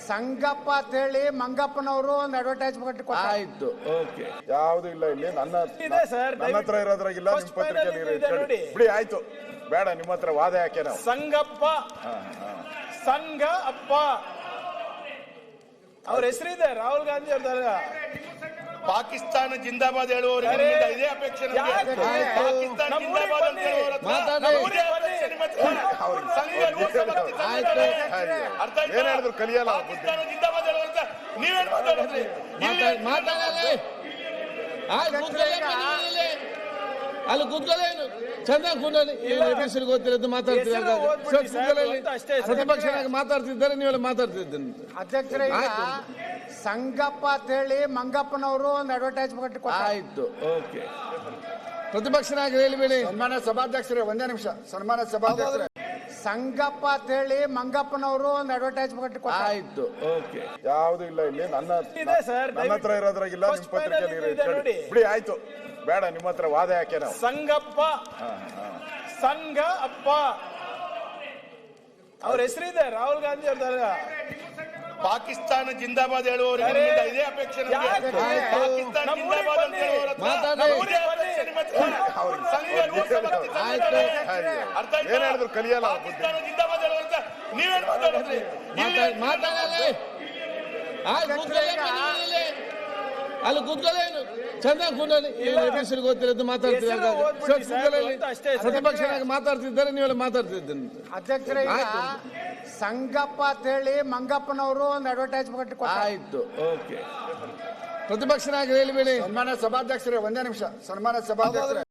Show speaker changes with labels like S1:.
S1: ಸಂಗಪ್ಪ ಅಂತ ಹೇಳಿ ಮಂಗಪ್ಪನವರು ಒಂದು ಅಡ್ವರ್ಟೈಸ್ಮೆಂಟ್
S2: ಆಯ್ತು, ಓಕೆ.
S3: ಯಾವ್ದು ಇಲ್ಲ ಇಲ್ಲಿ ನನ್ನ ಹತ್ರ ಇರೋದ್ರಾಗಿಲ್ಲ, ನಿಮ್ ಪತ್ರಿಕೆಯಲ್ಲಿ ಬಿಡಿ. ಆಯ್ತು, ಬೇಡ, ನಿಮ್ಮ ಹತ್ರ ವಾದ ಯಾಕೆ ನಾವು.
S4: ಸಂಗಪ್ಪ, ಸಂಘ ಅಪ್ಪ ಅವ್ರ ಹೆಸರಿದೆ, ರಾಹುಲ್ ಗಾಂಧಿ ಅವ್ರ.
S5: ಪಾಕಿಸ್ತಾನ ಜಿಂದಾಬಾದ್ ಹೇಳುವವರಿಗೆ ಇದೇ ಅಪೇಕ್ಷೆ. ಪಾಕಿಸ್ತಾನ ಜಿಂದಾಬಾದ್ ಅಂತ
S3: ಏನ್ ಹೇಳಿದ್ರು ಕಲಿಯಲ್ಲ.
S5: ಪಾಕಿಸ್ತಾನ ಜಿಂದಾಬಾದ್ ಹೇಳುವಂತ ನೀವೇನ್ ಮಾತಾಡಿದ್ರಿ?
S2: ಅಲ್ಲಿ ಕೂತ್ಕೊಳ್ಳೇನು ಚಂದ ಕೂಡಲಿ ಹೆಸರು ಗೊತ್ತಿರೋದು ಮಾತಾಡ್ತಿದ್ದಾರೆ. ಪ್ರತಿಪಕ್ಷನಾಗಿ ಮಾತಾಡ್ತಿದ್ದಾರೆ, ನೀವೆಲ್ಲ ಮಾತಾಡ್ತಿದ್ದೇನೆ.
S1: ಅಧ್ಯಕ್ಷರೇ, ಸಂಗಪ್ಪ ಅಂತ ಹೇಳಿ ಮಂಗಪ್ಪನವರು ಒಂದು ಅಡ್ವರ್ಟೈಸ್ಮೆಂಟ್
S2: ಆಯ್ತು, ಓಕೆ. ಪ್ರತಿಪಕ್ಷನಾಗಿ ಹೇಳಿಬೇಡಿ.
S3: ಸನ್ಮಾನ್ಯ ಸಭಾಧ್ಯಕ್ಷರೇ, ಒಂದೇ ನಿಮಿಷ. ಸನ್ಮಾನ್ಯ ಸಭಾಧ್ಯಕ್ಷರೇ,
S1: ಸಂಗಪ್ಪ ಅಂತ ಹೇಳಿ ಮಂಗಪ್ಪನವರು ಒಂದು ಅಡ್ವರ್ಟೈಸ್ಮೆಂಟ್
S2: ಆಯ್ತು, ಓಕೆ.
S3: ಯಾವ್ದು ಇಲ್ಲ ಇಲ್ಲಿ ನನ್ನ ಹತ್ರ ಇರೋದ್ರಾಗಿಲ್ಲ, ನಿಮ್ ಪತ್ರಿಕೆಯಲ್ಲಿ ಬಿಡಿ. ಆಯ್ತು, ಬೇಡ, ನಿಮ್ಮ ಹತ್ರ ವಾದ ಯಾಕೆ ನಾವು.
S4: ಸಂಗಪ್ಪ, ಸಂಘ ಅಪ್ಪ ಅವ್ರ ಹೆಸರಿದೆ, ರಾಹುಲ್ ಗಾಂಧಿ ಅವ್ರ.
S5: ಪಾಕಿಸ್ತಾನ ಜಿಂದಾಬಾದ್ ಹೇಳುವವರಿಗೆ ಇದೇ ಅಪೇಕ್ಷೆ. ಪಾಕಿಸ್ತಾನ ಜಿಂದಾಬಾದ್ ಅಂತ
S3: ಏನ್ ಹೇಳಿದ್ರು ಕಲಿಯಲ್ಲ.
S5: ಪಾಕಿಸ್ತಾನ ಜಿಂದಾಬಾದ್ ಹೇಳುವಂತ ನೀವೇನ್ ಮಾತಾಡಿದ್ರಿ?
S2: ಅಲ್ಲಿ ಕೂತ್ಕೊಳ್ಳೇನು ಚಂದ ಕೂಡಲಿ ಹೆಸರು ಗೊತ್ತಿರೋದು ಮಾತಾಡ್ತಿದ್ದಾರೆ. ಪ್ರತಿಪಕ್ಷನಾಗಿ ಮಾತಾಡ್ತಿದ್ದಾರೆ, ನೀವೆಲ್ಲ ಮಾತಾಡ್ತಿದ್ದೇನೆ.
S1: ಅಧ್ಯಕ್ಷರೇ, ಸಂಗಪ್ಪ ಅಂತ ಹೇಳಿ ಮಂಗಪ್ಪನವರು ಒಂದು ಅಡ್ವರ್ಟೈಸ್ಮೆಂಟ್
S2: ಆಯ್ತು, ಓಕೆ. ಪ್ರತಿಪಕ್ಷನಾಗಿ ಹೇಳಿಬೇಡಿ.
S3: ಸನ್ಮಾನ್ಯ ಸಭಾಧ್ಯಕ್ಷರೇ, ಒಂದೇ ನಿಮಿಷ. ಸನ್ಮಾನ್ಯ ಸಭಾಧ್ಯಕ್ಷರೇ,